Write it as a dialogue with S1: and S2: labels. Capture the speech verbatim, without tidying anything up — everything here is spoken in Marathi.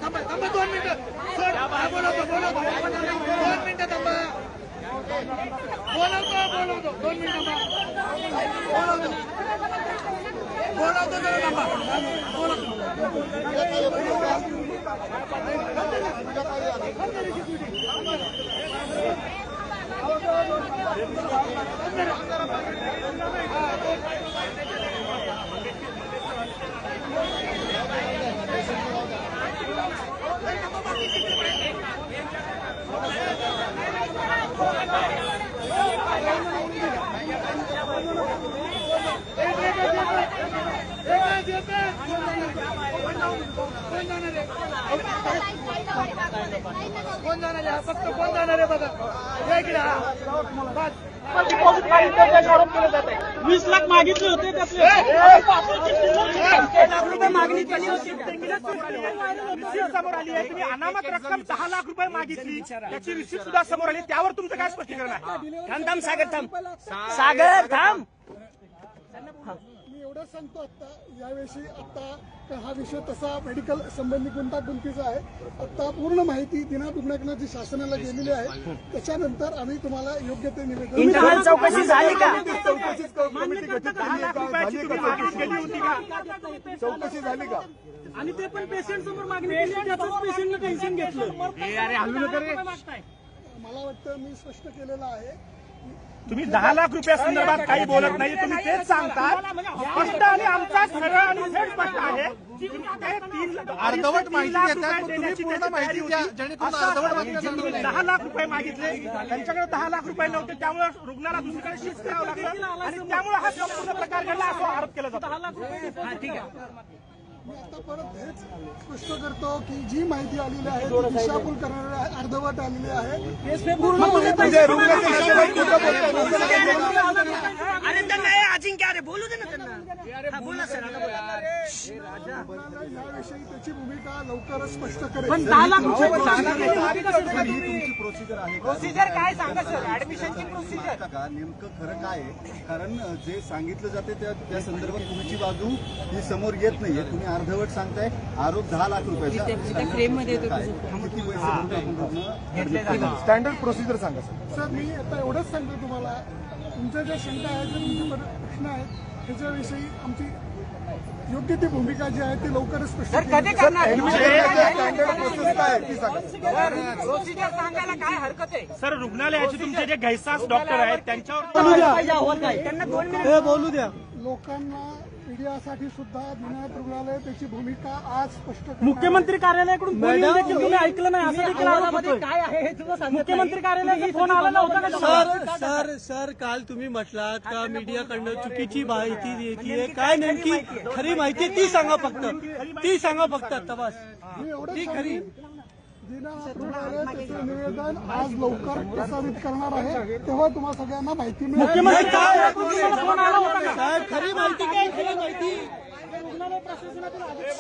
S1: थांबा थांबा दोन मिनिटं बोलवतो बोलवतो दोन मिनिटं थांबा बोलवतो बोलवतो दोन मिनिटं बोलवतो बोलवतो जरा थांबा बोलवतो कोण जाणार आहे फक्त कोण जाणार आहे बघा आरोप केले जात आहे वीस लाख मागितले होते त्यातले लाख रुपये मागणी केली होती समोर आली आहे तुम्ही अनामत रक्कम दहा लाख रुपये मागितली त्याची रिसिप्ट सुद्धा समोर आली त्यावर तुमचं काय स्पष्टीकरण आहे थांब थांब सागर थांब सागर थांब
S2: एवढं सांगतो आता यावेळी आता हा विषय तसा मेडिकल संबंधी गुंतागुंतीचा आहे. आता पूर्ण माहिती दिनादुगण्याकडनं जी शासनाला गेलेली आहे त्याच्यानंतर आम्ही तुम्हाला योग्य ते निवेदन.
S1: चौकशी झाली का
S2: चौकशी झाली का
S3: आणि ते पण पेशंट समोर मागणी केली त्याचंच पेशंटनं टेन्शन घेतलं.
S2: मला वाटतं मी स्पष्ट केलेलं आहे.
S1: तुम्ही दहा लाख रुपया संदर्भात काही बोलत नाही तुम्ही तेच सांगता स्पष्ट आणि आमचा सरळ आणि थेट स्पष्ट आहे अर्धवट माहिती दहा लाख रुपये मागितले त्यांच्याकडे दहा लाख रुपये नव्हते त्यामुळे रुग्णाला दुसरीकडे शिफ्ट करावं लागलं आणि त्यामुळे हा संपूर्ण प्रकार घडला असा आरोप केला जातो. ठीक आहे
S2: मी आता परत हेच स्पष्ट करतो की जी माहिती आलेली आहे ती दिशाभूल करणारी अर्धवट आलेली आहे.
S1: अरे त्यांना अजिंक्य अरे बोलू दे ना त्यांना बोला सर
S2: याविषयी त्याची भूमिका लवकरच स्पष्ट करेल.
S3: पण दहा लाख रुपये
S4: तुमची प्रोसिजर आहे
S1: प्रोसिजर काय सांगा सर ऍडमिशनची प्रोसिजर
S4: का नेमकं खरं काय आहे कारण जे सांगितलं जाते त्या त्या संदर्भात तुमची बाजू ही समोर येत नाहीये. तुम्ही अर्धवट सांगताय आरोप दहा लाख रुपयाचा
S2: स्टँडर्ड प्रोसिजर सांगा सर. मी आता एवढंच सांगतो तुम्हाला तुमच्या ज्या शंका आहेत जे तुमचे प्रश्न आहेत त्याच्याविषयी आमची योग्य ती भूमिका जी आहे ती लवकरच स्पष्ट
S1: कधी करणार
S3: प्रोसिजर सांगायला काय हरकत आहे.
S1: सर रुग्णालयाचे तुमचे जे घैसास डॉक्टर आहेत त्यांच्यावर त्यांना दोन मिनिट
S3: बोलू द्या.
S2: लोकांना मीडियासाठी सुद्धा दिनानाथ रुग्णालय त्याची भूमिका आज स्पष्ट
S3: मुख्यमंत्री कार्यालयाकडून फोन येऊन देखील तुम्ही ऐकलं नाही असं देखील आरोप होतोय.
S5: काय आहे हे तुला सांगितलं
S3: मुख्यमंत्री कार्यालयाचा फोन आला नव्हता का
S5: सर सर सर काल तुम्ही म्हटलात का मीडियाकडनं चुकीची माहिती देतीये काय नेमकी खरी माहिती ती सांगा फक्त ती सांगा फक्त आता बस
S2: मी एवढं खरी दिनानाथ रुग्णालय त्याचं निवेदन आज लवकर प्रसारित करणार आहे तेव्हा तुम्हाला सगळ्यांना माहिती मिळेल.
S3: मुख्यमंत्री कार्यालयाकडून तुम्हाला फोन आला होता का
S5: साहेब खरी माहिती काय खरी माहिती
S3: रुग्णालय प्रशासनातील अधिकारी